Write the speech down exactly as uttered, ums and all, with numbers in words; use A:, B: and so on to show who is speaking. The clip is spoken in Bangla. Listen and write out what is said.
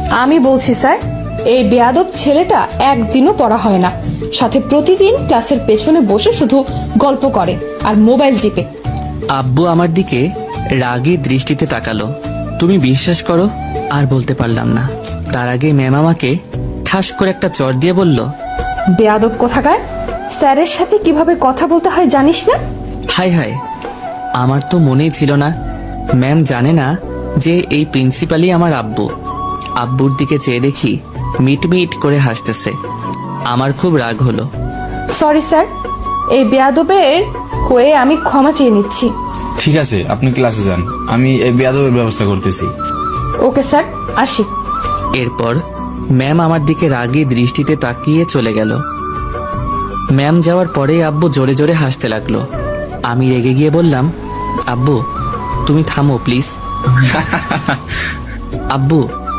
A: আমি বলছি স্যার, এই বেয়াদব ছেলেটা একদিনও পড়া হয় না, সাথে প্রতিদিন ক্লাসের পেছনে বসে শুধু গল্প করে আর মোবাইল টিপে।
B: আব্বু আমার দিকে রাগী দৃষ্টিতে তাকালো। তুমি বিশ্বাস করো, আর বলতে পারলাম না। তার আগে ম্যাম আমাকে ঠাস করে একটা চড় দিয়ে বলল,
A: বেয়াদব কোথাকার, স্যারের সাথে কিভাবে কথা বলতে হয় জানিস না?
B: হাই হাই, আমার তো মনেই ছিল না। ম্যাম জানে না যে এই প্রিন্সিপালই আমার আব্বু। আব্বুর দিকে চেয়ে দেখি মিট মিট করে হাসতেছে। আমার খুব রাগ হলো।
A: সরি স্যার, এই বেয়াদবের হয়ে আমি ক্ষমা চেয়ে নিচ্ছি।
C: ঠিক আছে, আপনি ক্লাসে যান, আমি এই বেয়াদবের ব্যবস্থা করতেছি।
A: ওকে স্যার, আসি।
B: এরপর ম্যাম আমার দিকে রাগী দৃষ্টিতে তাকিয়ে চলে গেল। ম্যাম যাওয়ার পরে আব্বু জোরে জোরে হাসতে লাগলো। আমি রেগে গিয়ে বললাম, আব্বু তুমি থামো প্লিজ। আব্বু